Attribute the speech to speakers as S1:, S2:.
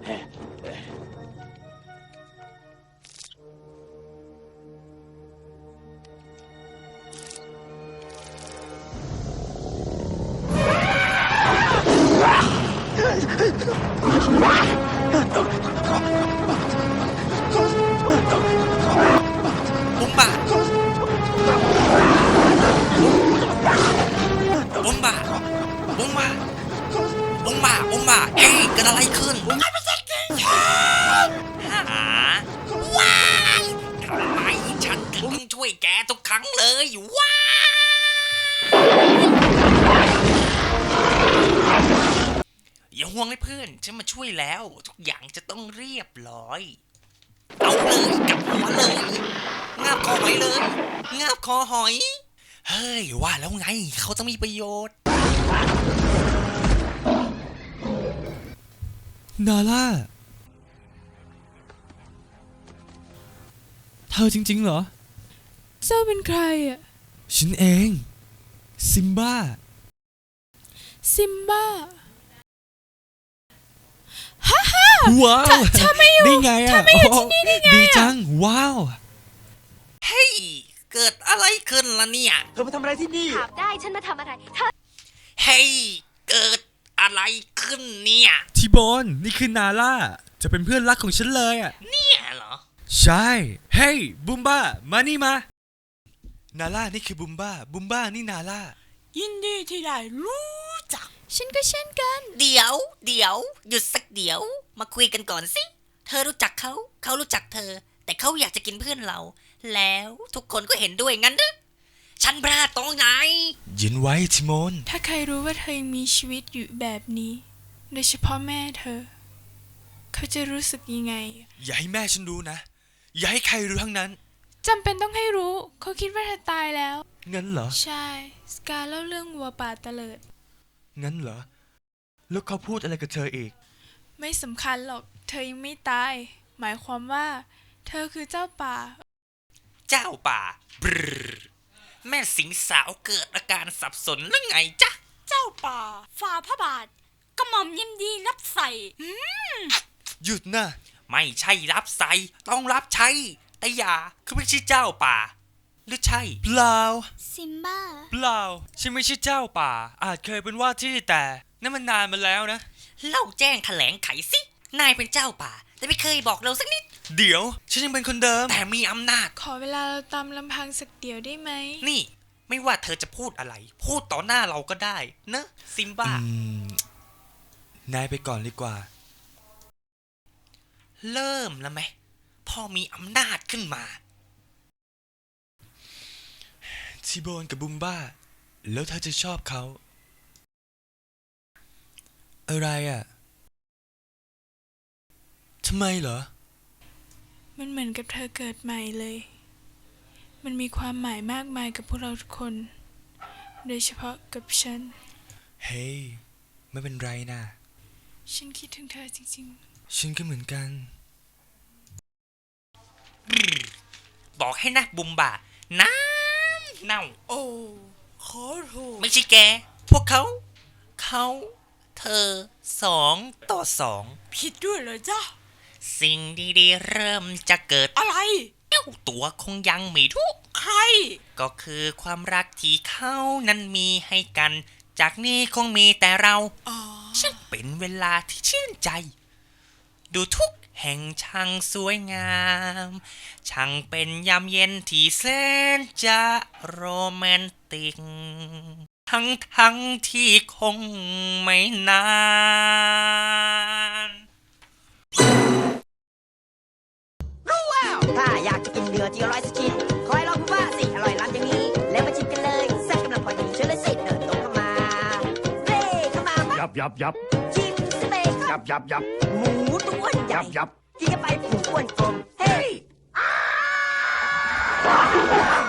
S1: บุ้มบ่าบุ้มบ่าบุ้มบ่าบุ้มบ่าบุ้มบ่าเอ้ยเกิดอะไรขึ้นหาว้ายทำไมฉันถึงต้องช่วยแกทุกครั้งเลยว้าอย่าห่วงเลยเพื่อนฉันมาช่วยแล้วทุกอย่างจะต้องเรียบร้อยเอาเลยกับหัวเลยงาบคอหอยเลยงาบคอหอยเฮ้ยว่าแล้วไงเขาต้องมีประโยชน์
S2: นาล่าเธอจริงๆเหรอ
S3: เจ้าเป็นใครอ่ะ
S2: ฉันเองซิมบ้าว้าว
S3: เธอไม่อยู่
S2: ได้ไงอ่ะ
S3: ที่นี่ได้ไง
S2: ดีจังว้าว
S1: เฮ้ยเกิดอะไรขึ้นล่ะเนี่ย
S4: เธอมาทำอะไรที่นี่
S5: ถามได้ฉันมาทำอะไรเธอ
S1: เฮ้ยเกิดอะไรขึ้นเนี่ย
S2: ทีโบนนี่คือนาล่าจะเป็นเพื่อนรักของฉันเลยอ่ะ
S1: เนี่ยเหรอ
S2: ใช่เฮ้ยบุมบ้ามานี่มานาล่านี่คือบุมบ้านี่นาล่า
S3: ยินดีที่ได้รู้จักฉันก็เช่นกัน
S1: เดี๋ยวหยุดสักเดี๋ยวมาคุยกันก่อนสิเธอรู้จักเขารู้จักเธอแต่เขาอยากจะกินเพื่อนเราแล้วทุกคนก็เห็นด้วยงั้นหรือฉันพลาดตรงไหน
S2: เย็นไว้ทิโมน
S3: ถ้าใครรู้ว่าเธอยังมีชีวิตอยู่แบบนี้โดยเฉพาะแม่เธอเขาจะรู้สึกยังไง
S2: อย่าให้แม่ฉันรู้นะอย่าให้ใครรู้ทั้งนั้น
S3: จำเป็นต้องให้รู้เขาคิดว่าเธอตายแล้ว
S2: งั้นเหรอ
S3: ใช่สกาเล่าเรื่องวัวป่าเตลิด
S2: งั้นเหรอแล้วเขาพูดอะไรกับเธออีก
S3: ไม่สำคัญหรอกเธอยังไม่ตายหมายความว่าเธอคือเจ้าป่า
S1: บรแม่สิงสาวเกิดอาการสับสนหรือไงจ๊ะ
S5: เจ้าป่าฝ่าพระบาทกระหม่อมยินดีรับใส่
S2: หยุดนะ
S1: ไม่ใช่รับใส่ต้องรับใช้แต่อย่าคือไม่ใช่เจ้าป่าหรือใช่
S2: เปล่า
S5: ซิมบ้า
S2: เปล่าฉันไม่ใช่เจ้าป่าอาจเคยเป็นว่าที่แต่นั่นมันนานมาแล้วนะ
S1: เล่าแจ้งแถลงไขสินายเป็นเจ้าป่าแต่ไม่เคยบอกเราสักนิด
S2: เดี๋ยวฉันยังเป็นคนเดิม
S1: แต่มีอำนาจ
S3: ขอเวลาเราตามลำพังสักเดียวได้ไหม
S1: นี่ไม่ว่าเธอจะพูดอะไรพูดต่อหน้าเราก็ได้นะซิมบ้
S2: านายไปก่อนดีกว่า
S1: เริ่มแล้วไหมพอมีอำนาจขึ้นมา
S2: ทีโบนกับบุมบ้าแล้วเธอจะชอบเขาอะไรอ่ะทำไมเหรอ
S3: มันเหมือนกับเธอเกิดใหม่เลยมันมีความหมายมากมายกับพวกเราทุกคนโดยเฉพาะกับฉัน
S2: เฮ้ยไม่เป็นไรนะ
S3: ฉันคิดถึงเธอจริง
S2: ๆฉันก็เหมือนกัน
S1: บอกให้นะบุมบ่าน้ำเน่า
S3: โอ้ขอโทษ
S1: ไม่ใช่แกพวกเขาเธอ2-2
S3: ผิดด้วยเลยจ้ะ
S1: สิ่งดีๆเริ่มจะเกิด
S3: อะไร
S1: เอ้าตัวคงยังไม่ทุก
S3: ใคร
S1: ก็คือความรักที่เขานั้นมีให้กันจากนี้คงมีแต่เราช่างเป็นเวลาที่ชื่นใจดูทุกแห่งช่างสวยงามช่างเป็นยามเย็นที่แสนจะโรแมนติกทั้งที่คงไม่นาน
S4: รู้แล้วถ้าอยากจะกินเนื้อที่อร่อยสักชิ้นคอยลองว่าสิอร่อยล้ำอย่างนี้แล้วมาชิมกันเลยแซ่บกำลังพอดีเชิญเลยสิเดินตรงเข้ามาเร่เข้ามา
S6: ยับ
S4: ชิมสเต็ก
S6: ยับ
S4: หมูตัวใหญ่
S6: ยับ
S4: กินเข้าไปผุ้งอ้วนกลมเฮ้ย